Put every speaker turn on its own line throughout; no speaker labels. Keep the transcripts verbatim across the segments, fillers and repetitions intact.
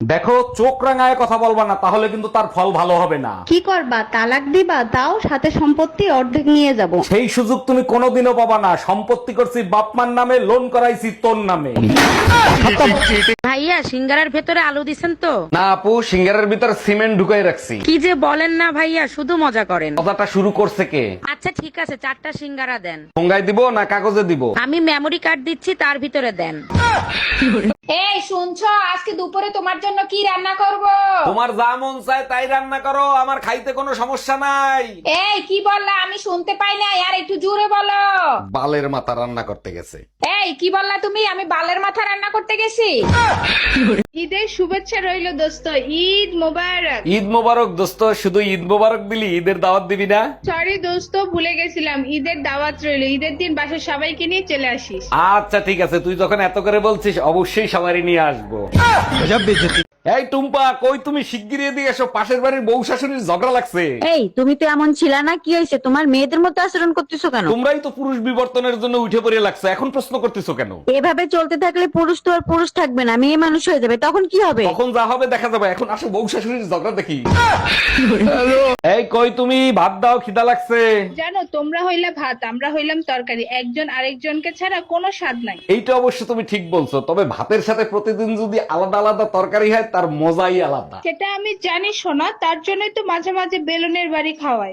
দেখো, চোখ রাঙায় কথা বলবা না, তাহলে কিন্তু তার ফল ভালো হবে না।
কি করবা, তালাক দিবা? তাও সাথে সম্পত্তি অর্ধেক নিয়ে যাব।
সেই সুযোগ তুমি কোনোদিনও পাবা না। সম্পত্তি করছি বাপমার নামে, লোন করাইছি তোর নামে।
ভাইয়া সিঙ্গারার ভেতরে আলু দিছেন তো?
না আপু, সিঙ্গারের ভিতর সিমেন্ট ঢুকাই রাখছি।
কি যে বলেন না ভাইয়া, শুধু মজা করেন।
কথাটা শুরু করছে কে?
আচ্ছা ঠিক আছে, চারটা সিঙ্গারা দেন।
ঠোঙ্গায় দিব না কাগজে দিব?
আমি মেমোরি কার্ড দিচ্ছি, তার ভিতরে দেন।
এই শুনছো, আজকে দুপুরে তোমার জন্য কি রান্না করব?
তোমার যা মন চায় তাই রান্না করো, আমার খাইতে কোনো সমস্যা নাই।
এই কি বললা, আমি শুনতে পাই না, আর একটু জোরে বলো।
বালের মাথা রান্না করতে গেছে।
এই কি বললা তুমি? আমি বালের মাথা রান্না করতে গেছি?
ঈদের শুভেচ্ছা রইল দোস্ত, ঈদ মোবারক।
ঈদ মোবারক দোস্ত, শুধু ঈদ মোবারক দিলি, ঈদের দাওয়াত দিবি না?
সরি দোস্ত, ভুলে গেছিলাম, ঈদের দাওয়াত রইল। ঈদের দিন বাসার সবাইকে নিয়ে চলে আসিস।
আচ্ছা ঠিক আছে, তুই যখন এত করে বলছিস অবশ্যই সবারই নিয়ে আসবো। এই টুম্পা, কই তুমি? শিগগিরই এদিকে এসো, পাশের বাড়ির বউ শাশুড়ির ঝগড়া লাগছে।
এই তুমি তো এমন ছিলা না, কি হয়েছে? তোমার মেয়েদের মতো আচরণ করতেছো কেন?
তোমরাই তো পুরুষ বিবর্তনের জন্য উঠে পড়ে লাগছে, এখন প্রশ্ন করতেছো কেন?
এভাবে চলতে থাকলে পুরুষ তো আর পুরুষ থাকবে না, মেয়ে মানুষ হয়ে যাবে, তখন কি হবে?
তখন যা হবে দেখা যাবে, এখন আসো বউ শাশুড়ির ঝগড়া দেখি। এই কই তুমি? ভাত দাও, খিদা লাগছে।
জানো, তোমরা হইলা ভাত, আমরা হইলাম তরকারি, একজন আরেকজনকে ছাড়া কোনো স্বাদ নাই।
এইটা অবশ্য তুমি ঠিক বলছো, তবে ভাতের সাথে প্রতিদিন যদি আলাদা আলাদা তরকারি হয় তার মজাই আলাদা।
সেটা আমি জানি শোনা, তার জন্যই তো মাঝে মাঝে বেলুনের বাড়ি খাওয়াই।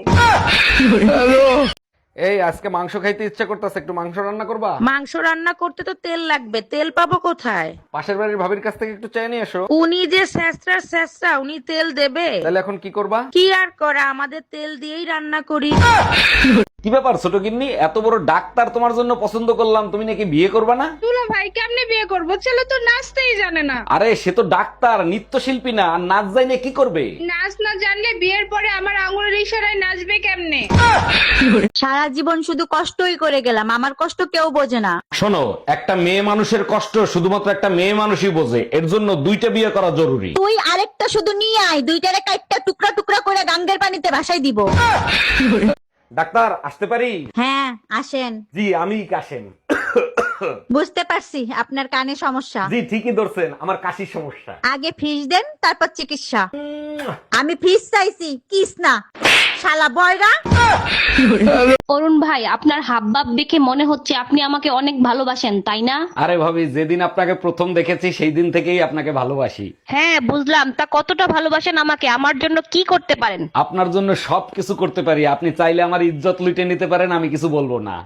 এই আজকে মাংস খাইতে ইচ্ছা করতেছে, একটু মাংস রান্না করবা?
মাংস রান্না করতে তো তেল লাগবে, তেল পাবো কোথায়?
পাশের বাড়ির ভাবির কাছ থেকে একটু চাই নিয়ে এসো।
উনি যে স্যাঁচড়ার স্যাঁচড়া, উনি তেল দেবে?
তাহলে এখন কি করবা?
কি আর করা, আমাদের তেল দিয়েই রান্না করি।
কি ব্যাপার ছোট গিন্নি, এত বড় ডাক্তার তোমার জন্য পছন্দ করলাম, তুমি নাকি বিয়ে করবা না?
তুলা ভাই কেমনে বিয়ে করবো? ছেলে তো নাচতেই জানে না।
আরে সে তো ডাক্তার, নৃত্যশিল্পী না, আর নাচ জানে কি করবে?
নাচ না জানলে বিয়ের পরে আমার আঙুলের ইশারায় নাচবে কেমনে?
সারা জীবন শুধু কষ্টই করে গেলাম, আমার কষ্ট কেউ বোঝে না।
শোনো, একটা মেয়ে মানুষের কষ্ট শুধুমাত্র একটা মেয়ে মানুষই বোঝে, এর জন্য দুইটা বিয়ে করা জরুরি।
তুই আরেকটা শুধু নিয়ে আয়, দুইটারে কাটটা টুকরা টুকরা করে গাঙ্গের পানিতে ভাসাই দিব।
ডাক্তার আসতে পারি?
হ্যাঁ আসেন।
জি আমি কাশেম।
বুঝতে পারছি আপনার কানে সমস্যা।
জি ঠিকই ধরছেন, আমার কাশির সমস্যা।
আগে ফিস দেন, তারপর চিকিৎসা। আমি ফিস চাইছি, কিস না, শালা বয়রা।
অরুণ ভাই, আপনার হাবভাব দেখে মনে হচ্ছে আপনি আমাকে অনেক ভালোবাসেন, তাই না?
আরে ভাবি, যেদিন আপনাকে প্রথম দেখেছি সেই দিন থেকেই আপনাকে ভালোবাসি।
হ্যাঁ বুঝলাম, তা কতটা ভালোবাসেন আমাকে? আমার জন্য কি করতে পারেন?
আপনার জন্য সব কিছু করতে পারি, আপনি চাইলে আমার ইজ্জত লুটে নিতে পারেন, আমি কিছু বলবো না।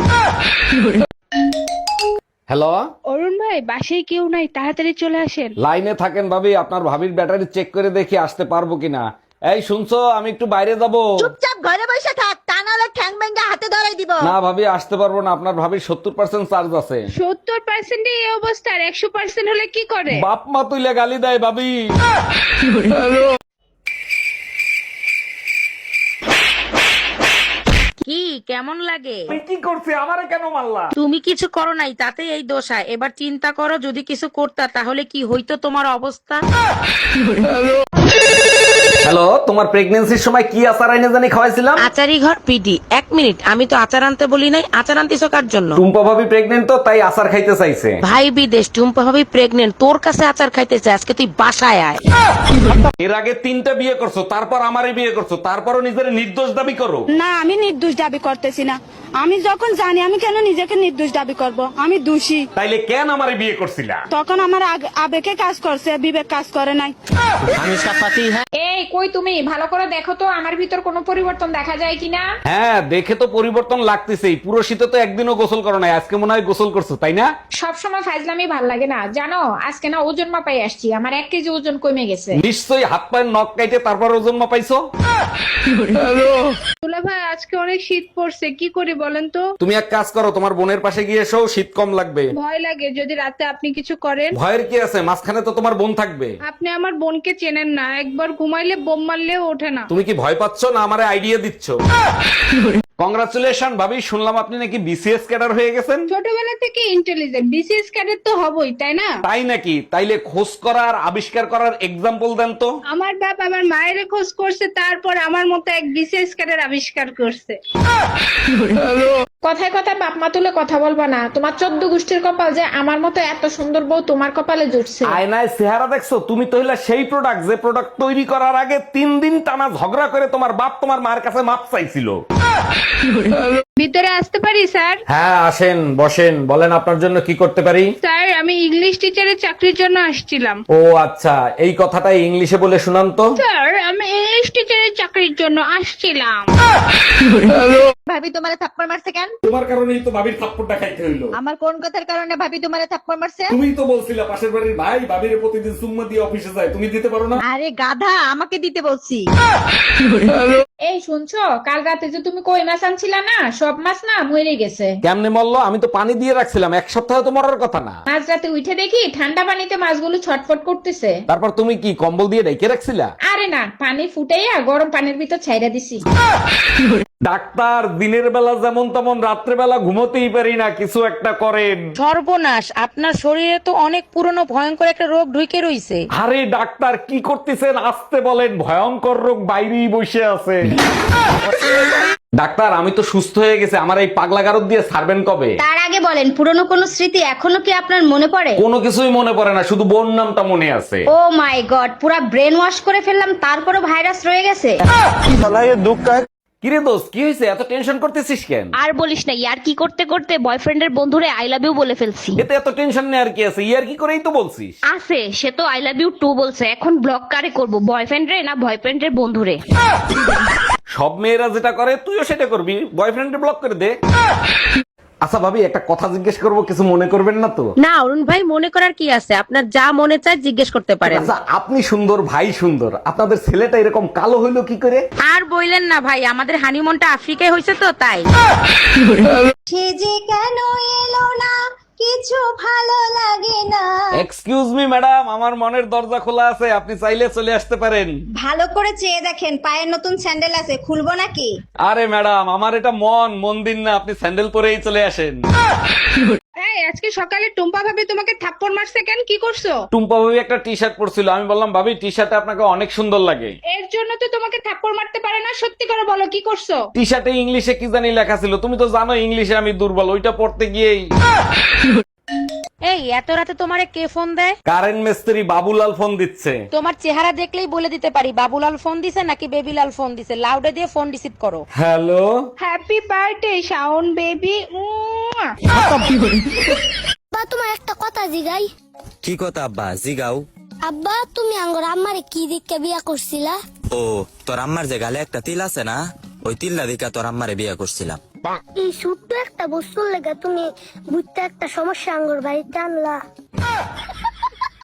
হ্যালো,
অরুণ ভাই, বাসায় কেউ নাই, তাড়াতাড়ি চলে আসেন।
লাইনে থাকেন ভাবি, আপনার ভাবির ব্যাটারি চেক করে দেখি আসতে পারবো কিনা। এই শুনছো, আমি একটু বাইরে যাব।
চুপচাপ ঘরে বসে থাক, তা নাহলে ঠ্যাং ভেঙে হাতে ধরাই দিব।
না ভাবি, আসতে পারবো না, আপনার ভাবির সত্তর পার্সেন্ট চার্জ আছে।
সত্তর পার্সেন্ট এই অবস্থা, আর একশো পার্সেন্ট হলে কি করে?
বাপ মা তুইলে গালি দেয় ভাবি।
কি কেমন লাগে?
তুই কি করছিস? আমারে কেন মারলা?
তুমি কিছু করো নাই, তাতে এই দোষা। এবার চিন্তা করো, যদি কিছু করতা তাহলে কি হইতো তোমার অবস্থা।
হ্যালো, তোমার প্রেগন্যান্সির সময় কি আচার আইনে জানি খাওয়াইছিলাম?
আচারি ঘর পিডি। এক মিনিট, আমি তো আচার আনতে বলি নাই। আচার আনতেছো কার জন্য?
টুম্পা ভাবি প্রেগনেন্ট তো, তাই আচার খাইতে চাইছে।
ভাই বিদেশ, টুম্পা ভাবি প্রেগনেন্ট, তোর কাছে আচার খাইতেছে, আজকে তুই বাসায় আয়।
এর আগে তিনটা বিয়ে করছো, তারপর আমারে বিয়ে করছো, তারপরও নিজের নির্দোষ দাবি করো।
না, আমি নির্দোষ দাবি করতেছি না। আমি যখন জানি, আমি কেন নিজেকে নির্দোষ দাবি করব? আমি দোষী।
তাইলে কেন আমারে বিয়ে করছিলা?
তখন আমার আগ- আবেগে কাজ করছে, বিবেক কাজ করে নাই।
এই কই তুমি? ভালো করে দেখো তো আমার ভিতর কোনো পরিবর্তন দেখা যায় কিনা।
হ্যাঁ দেখে তো পরিবর্তন লাগতেছেই, পুরো শীতে তো একদিনও গোসল করো নাই, আজকে মনে হয় গোসল করছো তাই না?
সব সময় ফাজলামি ভাল লাগে না, জানো? আজকে না ওজন মাপাই আসছি, আমার এক কেজি ওজন কমে গেছে।
নিশ্চয়ই হাত পায়ের নখ কাইটে তারপর ওজন মাপাইছো।
তুলা ভাই, আজকে অনেক শীত পড়ছে, কি করি বলেন তো?
তুমি এক কাজ করো, তোমার বোনের পাশে গিয়ে এসো, শীত কম লাগবে।
ভয় লাগে যদি রাতে আপনি কিছু করেন।
ভয়ের কি আছে, মাঝখানে তো তোমার বোন থাকবে।
আপনি আমার বোনকে চেনেন না, একবার ঘুমাইলে বোম মারলেও ওঠে না।
তুমি কি ভয় পাচ্ছ না আমারে আইডিয়া দিচ্ছ? কংগ্রাচুলেশন ভাবি, শুনলাম আপনি নাকি বিসিএস ক্যাডার হয়ে গেছেন।
ছোটবেলা থেকে ইন্টেলিজেন্ট, বিসিএস ক্যাডেট তো হবই, তাই না?
তাই নাকি? তাইলে খোঁজ করার আবিষ্কার করার এক্সাম্পল দেন তো।
আমার বাপ আমার মায়ের খোঁজ করছে, তারপর আমার মতো এক বিসিএস ক্যাডেট আবিষ্কার করছে।
কথায় কথায় বাপ মা তুলে কথা বলবা না, তোমার চোদ্দ গোষ্ঠীর কপাল যে আমার মতো এত সুন্দর বউ তোমার কপালে জুটছে।
আয়নায় চেহারা দেখছো? তুমি তো হইলা সেই প্রোডাক্ট যে প্রোডাক্ট তৈরি করার আগে তিন দিন টানা ঝগড়া করে তোমার বাপ তোমার মার কাছে মাপ চাইছিল।
ভিতরে আসতে পারি স্যার?
হ্যাঁ আসেন, বসেন, বলেন আপনার জন্য কি করতে পারি।
স্যার আমি ইংলিশ টিচারের চাকরির জন্য আসছিলাম।
ও আচ্ছা, এই কথাটা ইংলিশে বলে শুনান তো।
স্যার আমি ইংলিশ টিচারের চাকরির জন্য আসছিলাম।
ভাবি তোমারে থাপ্পড় মারছে কেন?
তোমার কারণেই তো ভাবির থাপ্পড়টা খাইতে হইলো।
আমার কোন কথার কারণে ভাবি তোমারে থাপ্পড় মারছে?
তুমিই তো বলছিলা পাশের বাড়ির ভাই ভাবির প্রতিদিন সুম্মা দিয়ে অফিসে যায়, তুমি দিতে পারো না?
আরে গাধা, আমাকে দিতে বলছি।
এই শুনছো, কাল রাতে যে তুমি কই মাছ আনছিলা না, সব মাছ না মরে গেছে।
কেমনে মরলো? আমি তো পানি দিয়ে রাখছিলাম, এক সপ্তাহ তো মরার কথা না।
মাঝ রাতে উঠে দেখি ঠান্ডা পানিতে মাছগুলো ছটফট করতেছে।
তারপর তুমি কি কম্বল দিয়ে ঢেকে রাখছিলা?
আরে না, পানি ফুটাইয়া গরম পানির ভিতর ছাইরা দিছি।
ডাক্তার, দিনের বেলা যেমন তেমন রাত্রে বেলা ঘুমোতেই পারি না, কিছু একটা করেন।
সর্বনাশ, আপনার শরীরে তো অনেক পুরনো ভয়ঙ্কর একটা রোগ ঢুকে রইছে।
আরে ডাক্তার কি করতেছেন, আসতে বলেন, ভয়ঙ্কর রোগ বাইরেই বসে আছে। ডাক্তার আমি তো সুস্থ হয়ে গেছে, আমার এই পাগলা গারদ দিয়ে ছাড়বেন কবে?
তার আগে বলেন, পুরনো কোনো স্মৃতি এখনো কি আপনার মনে পড়ে?
কোনো কিছুই মনে পড়ে না, শুধু বোন নামটা মনে আছে।
ও মাই গড, পুরা ব্রেন ওয়াশ করে ফেললাম, তারপরও ভাইরাস রয়ে গেছে।
কিরে দোস্ত, কি হয়েছে? এত টেনশন করতেছিস কেন?
আর বলিস না, ইয়ার কি করতে করতে বয়ফ্রেন্ডের বন্ধুরে আই লাভ ইউ বলে ফেলছি।
এতে এত টেনশন নেই আর কি আছে, ইয়ার কি করেই তো বলছিস।
আছে, সে তো আই লাভ ইউ টু বলছে। এখন ব্লক কারে করব, বয়ফ্রেন্ড রে না বয়ফ্রেন্ডের বন্ধুরে?
সব মেয়েরা যেটা করে তুইও সেটা করবি, বয়ফ্রেন্ডে ব্লক করে দে। আচ্ছা ভাবি, একটা কথা জিজ্ঞেস করবো, কিছু মনে করবেন না তো?
না অরুণ ভাই, মনে করার কি আছে, আপনার যা মনে চায় জিজ্ঞেস করতে পারেন।
আচ্ছা, আপনি সুন্দর, ভাই সুন্দর, আপনাদের ছেলেটা এরকম কালো হইলো কি করে?
আর বইলেন না ভাই, আমাদের হানিমুনটা আফ্রিকায় হয়েছে তো তাই।
সে যে কেন এলো না, কিছু ভালো লাগে না।
এক্সকিউজ মি ম্যাডাম, আমার মনের দরজা খোলা আছে, আপনি চাইলে চলে আসতে পারেন।
ভালো করে চেয়ে দেখেন, পায়ের নতুন স্যান্ডেল আছে, খুলবো নাকি?
আরে ম্যাডাম, আমার এটা মন মন্দির না, আপনি স্যান্ডেল পরেই চলে আসেন।
এই আজকে সকালে টুম্পা ভাবি তোমাকে থাপ্পড় মারছে কেন? কি করছো?
টুম্পা ভাবি একটা টি শার্ট পরছিল, আমি বললাম ভাবি টি শার্টে আপনাকে অনেক সুন্দর লাগে।
এর জন্য তো তোমাকে থাপ্পড় মারতে পারে না। সত্যি করে বলো, কি করছো?
টি শার্টে ইংলিশে কি জানি লেখা ছিল, তুমি তো জানো ইংলিশে আমি দুর্বল, ওইটা পড়তে গিয়েই।
এই এত রাতে তোমারে কে ফোন দেয়?
কারেন্ট মিস্ত্রি বাবুলাল ফোন দিচ্ছে।
তোমার চেহারা দেখলেই বলে দিতে পারি বাবুলাল ফোন দিছে নাকি বেবিলাল ফোন দিছে। লাউডে দিয়ে ফোন রিসিভ করো।
Hello,
happy birthday Shaon baby.
আব্বা তোমার একটা কথা জিগাই।
কি কথা আব্বা? জিগাও।
আব্বা তুমি আঙ্গর আম্মারে কি দিকে বিয়া করছিলা?
ও, তোর আম্মার যে গালে একটা তিল আছে না, ওই তিল্লা দিকা তোর আম্মারে বিয়া করছিলাম।
এই ছোট্ট একটা বস্তুর লেগে তুমি বুঝতে একটা সমস্যা আঙ্গর বাড়িতে আনলা।